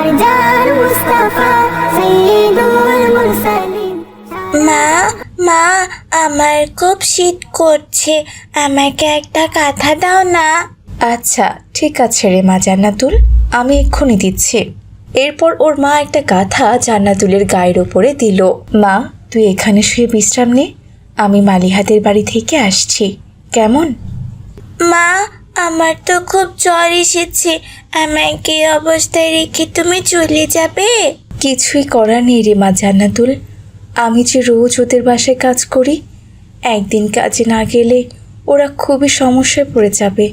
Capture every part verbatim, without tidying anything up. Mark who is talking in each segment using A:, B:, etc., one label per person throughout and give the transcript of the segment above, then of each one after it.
A: আমার জান মুস্তাফা সাইয়্যিদুল মুরসালিন।
B: মা মা আমার খুব শীত করছে, আমাকে একটা কাঁথা দাও না।
C: আচ্ছা ঠিক আছে রে মা জান্নাতুল, আমি এক্ষুনি দিচ্ছি। এরপর ওর মা একটা কাঁথা জান্নাতুলের গায়ের ওপরে দিল। মা তুই এখানে শুয়ে বিশ্রাম নে, আমি মালিহাদের বাড়ি থেকে আসছি, কেমন?
B: মা আমার তো খুব জ্বর এসেছে, আমাকে এই অবস্থায় রেখে তুমি চলে যাবে?
C: কিছুই করার নেই রে মা জান্নাতুল, আমি যে রোজ ওদের বাসায় কাজ করি, একদিন কাজে না গেলে ওরা খুবই সমস্যায় পড়ে যাবে।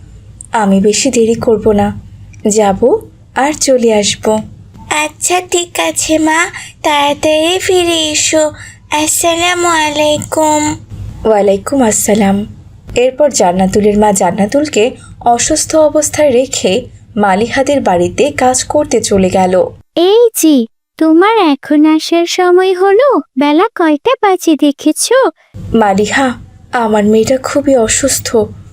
C: আমি বেশি দেরি করব না, যাব আর চলে আসব।
B: আচ্ছা ঠিক আছে মা, তাড়াতাড়ি ফিরে এসো। আসসালামু আলাইকুম।
C: ওয়ালাইকুম আসসালাম। এরপর জান্নাতুলের মা জান্নাতুলকে অসুস্থ অবস্থায় রেখে মালিহাদের বাড়িতে কাজ করতে চলে গেল।
D: এই জি, তোমার এখন আসার সময় হলো, বেলা কয়টা বাজে দেখেছো?
C: মালিহা, আমার মেয়েটা খুবই অসুস্থ,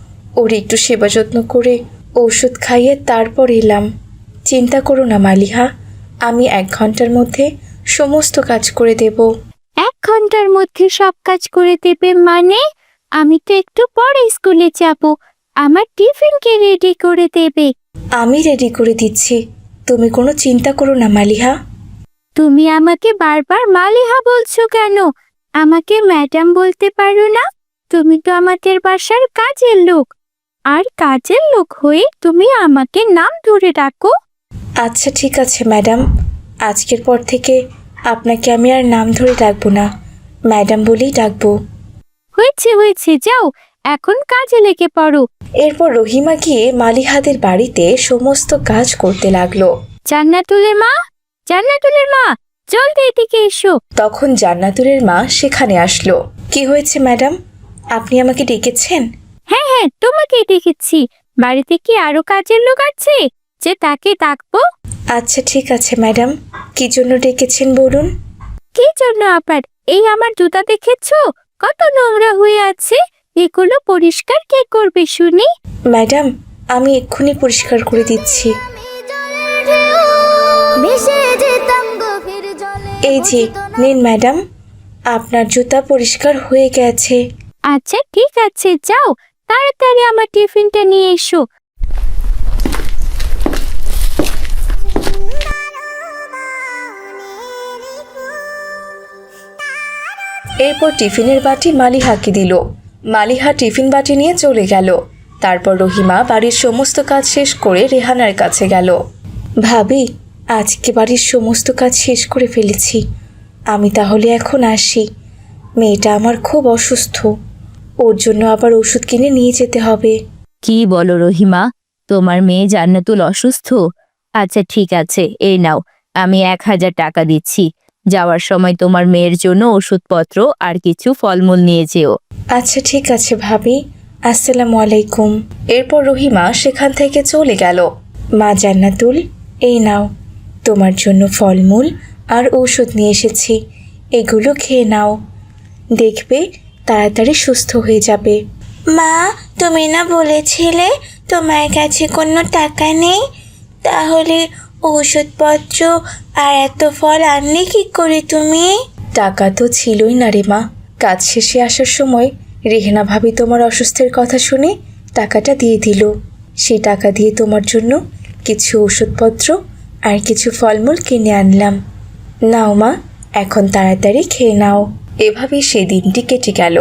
C: ওর একটু সেবা যত্ন করে ওষুধ খাইয়ে তারপর এলাম। চিন্তা করো না মালিহা, আমি এক ঘন্টার মধ্যে সমস্ত কাজ করে দেব।
D: এক ঘন্টার মধ্যে সব কাজ করে দেবে মানে? আমি তো একটু পরে স্কুলে যাব, আমার টিফিনকে রেডি করে দেবে।
C: আমি রেডি করে দিচ্ছি, তুমি কোনো চিন্তা করো না মালিহা।
D: তুমি আমাকে বারবার মালিহা বলছো কেন? আমাকে ম্যাডাম বলতে পারো না? তুমি তো আমাদের বাসার কাজের লোক, আর কাজের লোক হয়ে তুমি আমাকে নাম ধরে ডাকো।
C: আচ্ছা ঠিক আছে ম্যাডাম, আজকের পর থেকে আপনাকে আমি আর নাম ধরে ডাকবো না, ম্যাডাম বলেই ডাকবো।
D: হয়েছে হয়েছে, যাও এখন কাজে লেগে পড়ো।
C: এরপর রহিমা গিয়ে মালিহাদের বাড়িতে সমস্ত কাজ করতে লাগলো।
D: জান্নাতুলের মা, জান্নাতুলের মা, জলদি এদিকে এসো।
C: তখন জান্নাতুলের মা সেখানে আসলো। কি হয়েছে ম্যাডাম, আপনি আমাকে ডেকেছেন?
D: হ্যাঁ হ্যাঁ, তোমাকে দেখেছি। বাড়িতে কি আরো কাজের লোক আছে যে তাকে ডাকবো?
C: আচ্ছা ঠিক আছে ম্যাডাম, কি জন্য ডেকেছেন বলুন।
D: কি জন্য আবার? এই আমার জুতা দেখেছো কত নোংরা হয়ে আছে, এগুলো পরিষ্কার কে করবে শুনি?
C: ম্যাডাম আমি এক্ষুনি পরিষ্কার করে দিচ্ছি।
A: ভেসে যেতাম গভীর জলে।
C: এই যে নিন ম্যাডাম, আপনার জুতা পরিষ্কার হয়ে গেছে।
D: আচ্ছা ঠিক আছে, যাও তাড়াতাড়ি আমার টিফিনটা নিয়ে এসো।
C: এরপর টিফিনের বাটি মালিহাকে দিল। মালিহা টিফিন বাটি নিয়ে চলে গেল। তারপর রহিমা বাড়ির সমস্ত কাজ শেষ করে রেহানার কাছে গেল। ভাবি, আজকে বাড়ির সমস্ত কাজ শেষ করে ফেলেছি, আমি তাহলে এখন আসি। মেয়েটা আমার খুব অসুস্থ, ওর জন্য আবার ওষুধ কিনে নিয়ে যেতে হবে।
E: কি বলো রহিমা, তোমার মেয়ে জান্নাতুল অসুস্থ? আচ্ছা ঠিক আছে, এই নাও, আমি এক হাজার টাকা দিচ্ছি। যাওয়ার সময় তোমার মেয়ের জন্য ওষুধপত্র আর কিছু ফলমূল নিয়ে যেও।
C: আচ্ছা ঠিক আছে ভাবি, আসসালামু আলাইকুম। এরপর রহিমা সেখান থেকে চলে গেল। মা জান্নাতুল, এই নাও, তোমার জন্য ফলমূল আর ঔষধ নিয়ে এসেছি, এগুলো খেয়ে নাও, দেখবে তাড়াতাড়ি সুস্থ হয়ে যাবে।
B: মা তুমি না বলেছিলে তোমার কাছে কোনো টাকা নেই, তাহলে ওষুধপত্র আর এত ফল আনলে কি করে তুমি?
C: টাকা তো ছিলই না রে মা, কাজ শেষে আসার সময় রেহেনা ভাবি তোমার অসুস্থের কথা শুনে টাকাটা দিয়ে দিল। সেই টাকা দিয়ে তোমার জন্য কিছু ওষুধপত্র আর কিছু ফলমূল কিনে আনলাম। নাও মা, এখন তাড়াতাড়ি খেয়ে নাও। এভাবেই সেই দিনটি কেটে গেল।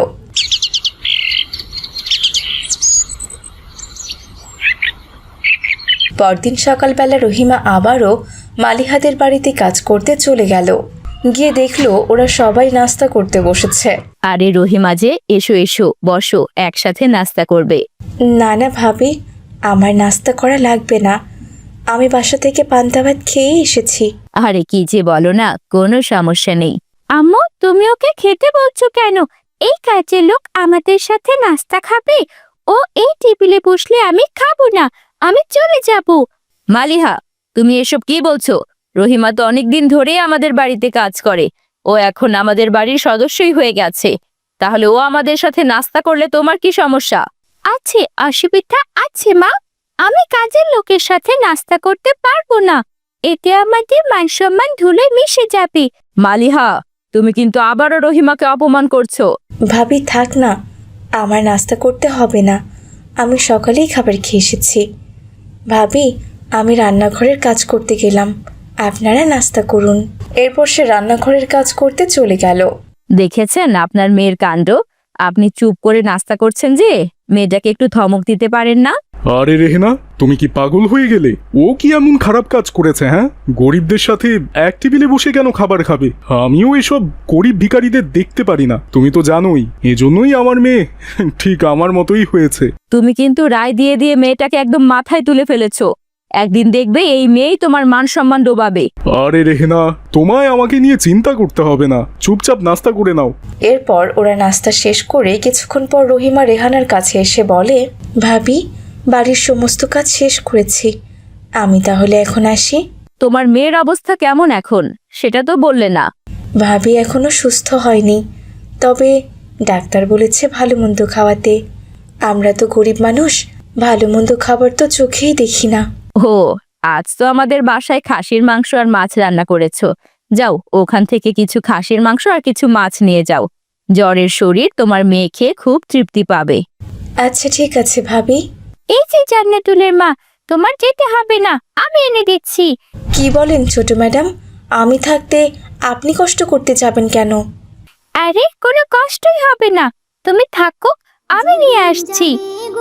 C: পরদিন সকালবেলা রহিমা আবারও মালিহাদের বাড়িতে কাজ করতে চলে গেল। গিয়ে দেখলো ওরা সবাই নাস্তা করতে বসেছে।
E: আরে রহিমা যে, এসো এসো বসো, একসাথে নাস্তা করবে।
C: না না ভাবি, আমার নাস্তা করা লাগবে না, আমি বাসা থেকে পান্তা ভাত খেয়েই এসেছি।
E: আরে কি যে বলো না, কোনো সমস্যা নেই।
D: আম্মু, তুমি ওকে খেতে বলছো কেন? এই কাজের লোক আমাদের সাথে নাস্তা খাবে, ও এই টেবিলে বসলে আমি খাবো না, আমি চলে যাব।
E: মালিহা, তুমি এসব কি বলছো? রহিমা তো অনেকদিন ধরেই আমাদের বাড়িতে কাজ করে, ও এখন আমাদের বাড়ির সদস্যই হয়ে গেছে, তাহলে ও আমাদের সাথে নাস্তা করলে তোমার কি সমস্যা?
D: আছে, অসুবিধা আছে মা, আমি কাজের লোকের সাথে নাস্তা করতে পারবো না। এতে আমাদের মান সম্মান ধুলে মিশে যাবে।
E: মালিহা, তুমি কিন্তু আবারও রহিমাকে অপমান করছো।
B: ভাবি থাক না, আমার নাস্তা করতে হবে না, আমি সকালেই খাবার খেয়ে এসেছি। ভাবি, আমি রান্নাঘরের কাজ করতে গেলাম, আপনারা নাস্তা করুন। এরপর সে রান্নাঘরের কাজ করতে চলে গেল।
E: দেখেছেন আপনার মেয়ের কাণ্ড? আপনি চুপ করে নাস্তা করছেন যে, মেয়েটাকে একটু ধমক দিতে পারেন না?
F: আরে রেহেনা, তুমি কি পাগল হয়ে গেলে? ও কি এমন খারাপ কাজ করেছে? হ্যাঁ, গরিবদের সাথে এক টেবিলে বসে কেন খাবার খাবে? আমিও এসব গরিব ভিখারিদের দেখতে পারি না, তুমি তো জানোই। এজন্যই আমার মেয়ে ঠিক আমার মতোই হয়েছে।
E: তুমি কিন্তু রায় দিয়ে দিয়ে মেয়েটাকে একদম মাথায় তুলে ফেলেছো। একদিন দেখবে এই মেয়েই তোমার মান সম্মান ডোবাবে।
F: আরে রেহেনা, তোমায় আমাকে নিয়ে চিন্তা করতে হবে না, চুপচাপ নাস্তা করে নাও।
B: এরপর ওরা নাস্তা শেষ করে কিছুক্ষণ পর রহিমা রেহানার কাছে এসে বলে, ভাবি, বাড়ির সমস্ত কাজ শেষ করেছি, আমি তাহলে এখন আসি।
E: তোমার মেয়ের অবস্থা কেমন এখন সেটা তো বললে না।
B: ভাবি এখনো সুস্থ হয়নি, তবে ডাক্তার বলেছে ভালো মন্দ খাওয়াতে। আমরা তো গরিব মানুষ, ভালো মন্দ খাবার তো চোখেই দেখি না।
E: ও, আজ তো আমাদের বাসায় খাসির মাংস আর মাছ রান্না করেছো। যাও, ওখান থেকে কিছু খাসির মাংস আর কিছু মাছ নিয়ে যাও। জ্বরের শরীর তোমার মেয়ে খেয়ে খুব তৃপ্তি পাবে।
B: আচ্ছা ঠিক আছে ভাবি।
D: এই যে জান্নাতুলের মা, তোমার যেতে হবে না, আমি এনে দিচ্ছি।
B: কি বলেন ছোট ম্যাডাম, আমি থাকতে আপনি কষ্ট করতে যাবেন কেন?
D: আরে কোনো কষ্টই হবে না, তুমি থাকো, আমি নিয়ে আসছি।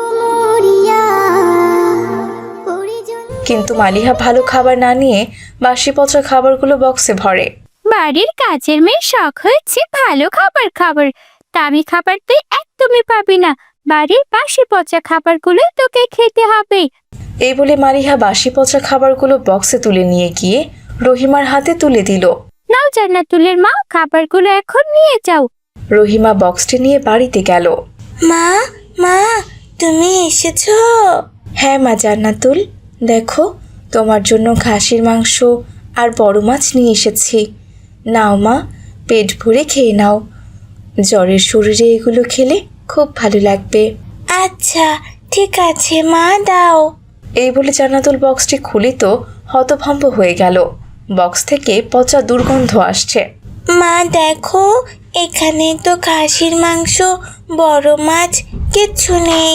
B: কিন্তু মালিহা ভালো খাবার না নিয়ে বাসি পচা খাবারগুলো বক্সে ভরে।
D: বাড়ির কাজের মেয়ে শখ হয়েছে ভালো খাবার খাবার, দামি খাবার তুই একদমই পাবি না, বাড়ির বাসি পচা খাবারগুলো তোকে খেতে হবে।
B: এই বলে মালিহা বাসি পচা খাবারগুলো বক্সে তুলে নিয়ে গিয়ে রহিমার হাতে তুলে দিল।
D: নাও জান্নাতুলের মা, খাবারগুলো এখন নিয়ে যাও।
B: রহিমা বক্সটি নিয়ে বাড়িতে গেল। মা, মা, তুমি এসেছো? হ্যাঁ মা জান্নাতুল, দেখো তোমার জন্য খাসির মাংস আর বড় মাছ নিয়ে এসেছি। নাও মা, পেট ভরে খেয়ে নাও, জ্বরের শরীরে এগুলো খেলে খুব ভালো লাগবে। আচ্ছা ঠিক আছে মা, দাও। এই বলে জান্নাতুল বক্সটি খুলে তো হতভম্ব হয়ে গেল। বক্স থেকে পচা দুর্গন্ধ আসছে। মা দেখো, এখানে তো খাসির মাংস, বড় মাছ কিচ্ছু নেই।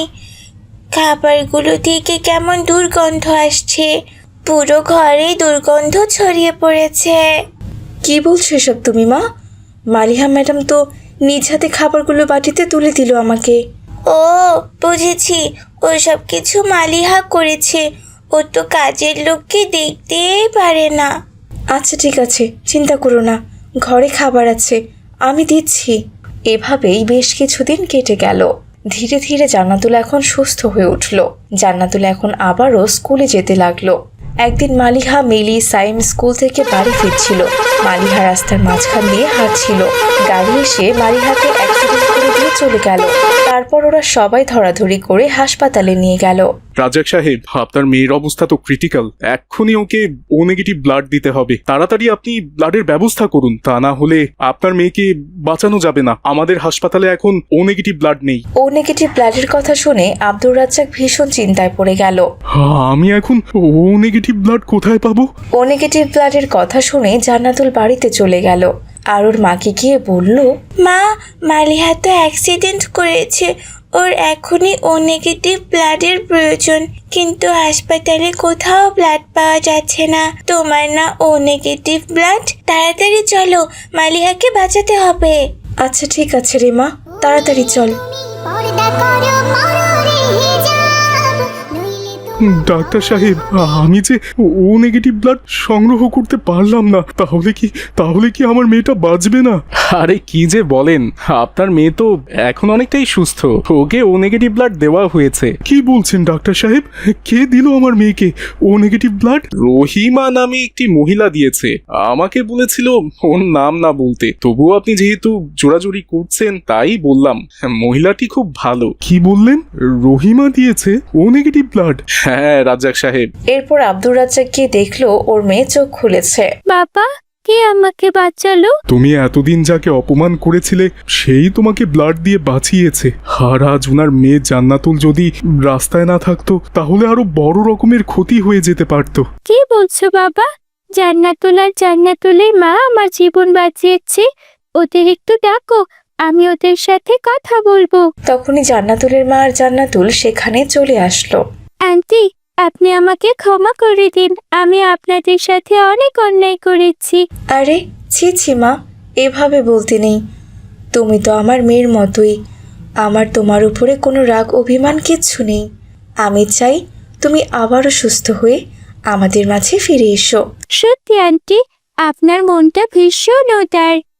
B: খাবারগুলো থেকে কেমন দুর্গন্ধ আসছে, পুরো ঘরে দুর্গন্ধ ছড়িয়ে পড়েছে। কি বলছো এসব তুমি মা? মালিহা ম্যাডাম তো নিজ হাতে খাবারগুলো বাটিতে তুলে দিল আমাকে। ও বুঝেছি, ওসব কিছু মালিহা করেছে, ও তো কাজের লোককে দেখতেই পারে না। আচ্ছা ঠিক আছে, চিন্তা করো না, ঘরে খাবার আছে, আমি দিচ্ছি। এভাবেই বেশ কিছুদিন কেটে গেল। ধীরে ধীরে জান্নাতুল এখন সুস্থ হয়ে উঠল। জান্নাতুল এখন আবারও স্কুলে যেতে লাগলো। একদিন মালিহা, মিলি, সাইম স্কুল থেকে বাড়ি ফিরছিল। মালিহা রাস্তার মাঝখান দিয়ে হাঁটছিল। গাড়ি এসে মালিহাকে অ্যাক্সিডেন্ট করে দিয়ে চলে গেল। তারপর ওরা সবাই ধরাধরি করে হাসপাতালে নিয়ে গেল।
F: রাজ্জাক সাহেব, আপনার মেয়ের অবস্থা তো ক্রিটিক্যাল, এক্ষুনি ওকে ও নেগেটিভ ব্লাড দিতে হবে। তাড়াতাড়ি আপনি ব্লাডের ব্যবস্থা করুন, তা না হলে আপনার মেয়েকে বাঁচানো যাবে না। আমাদের হাসপাতালে এখন ও নেগেটিভ ব্লাড নেই।
B: ও নেগেটিভ ব্লাডের কথা শুনে আব্দুর রাজ্জাক ভীষণ চিন্তায় পড়ে গেল।
F: হ্যাঁ, আমি এখন ও নেগেটিভ ব্লাড কোথায় পাবো?
B: ও নেগেটিভ ব্লাডের কথা শুনে জান্নাতুল বাড়িতে চলে গেল আর ওর মাকে গিয়ে বলল, মা, মালিহা তো অ্যাক্সিডেন্ট করেছে, ওর এখনই ও নেগেটিভ ব্লাডের প্রয়োজন, কিন্তু হাসপাতালে কোথাও ব্লাড পাওয়া যাচ্ছে না। তোমার না ও নেগেটিভ ব্লাড? তাড়াতাড়ি চলো, মালিহাকে বাঁচাতে হবে। আচ্ছা ঠিক আছে রে মা, তাড়াতাড়ি চল।
F: ডাক্তার সাহেব, আমি যে ও নেগেটিভ ব্লাড সংগ্রহ করতে পারলাম না, তাহলে কি তাহলে কি আমার মেয়েটা বাঁচবে না? আরে কি যে বলেন, আপনার মেয়ে তো এখন অনেকটাই সুস্থ, ওকে ও নেগেটিভ ব্লাড দেওয়া হয়েছে। কি বলছেন ডাক্তার সাহেব? কে দিল আমার মেয়েকে ও নেগেটিভ ব্লাড? রহিমা নামে একটি মহিলা দিয়েছে, আমাকে বলেছিল ওর নাম না বলতে, তবুও আপনি যেহেতু জোরাজুরি করছেন তাই বললাম। মহিলাটি খুব ভালো। কি বললেন? রহিমা দিয়েছে ও নেগেটিভ ব্লাড? হ্যাঁ রাজ্জাক সাহেব।
B: এরপর আব্দুর রাজ্জাক গিয়ে দেখলো ওর মেয়ে চোখ খুলেছে।
D: বাবা, কে আমাকে বাঁচালো?
F: তুমি এতদিন যাকে অপমান করেছিলে সেই তোমাকে ব্লাড দিয়ে বাঁচিয়েছে। আর আজ উনার মেয়ে জান্নাতুল যদি রাস্তায় না থাকতো তাহলে আরো বড় রকমের ক্ষতি হয়ে যেতে পারতো।
D: কি বলছো বাবা? জান্নাতুল আর জান্নাতুলের মা আমার জীবন বাঁচিয়েছে, ওদের একটু ডাকো, আমি ওদের সাথে কথা বলবো।
B: তখনই জান্নাতুলের মা আর জান্নাতুল সেখানে চলে আসলো।
D: আন্টি, আপনি আমাকে ক্ষমা করে দিন, আমি আপনাদের সাথে অনেক অন্যায় করেছি।
B: আরে ছি ছি মা, এভাবে বলতে নেই। তুমি তো আমার মেয়ের মতোই, আমার তোমার উপরে কোনো রাগ অভিমান কিচ্ছু নেই। আমি চাই তুমি আবারও সুস্থ হয়ে আমাদের মাঝে ফিরে এসো।
D: সত্যি আন্টি, আপনার মনটা ভীষণ উদার।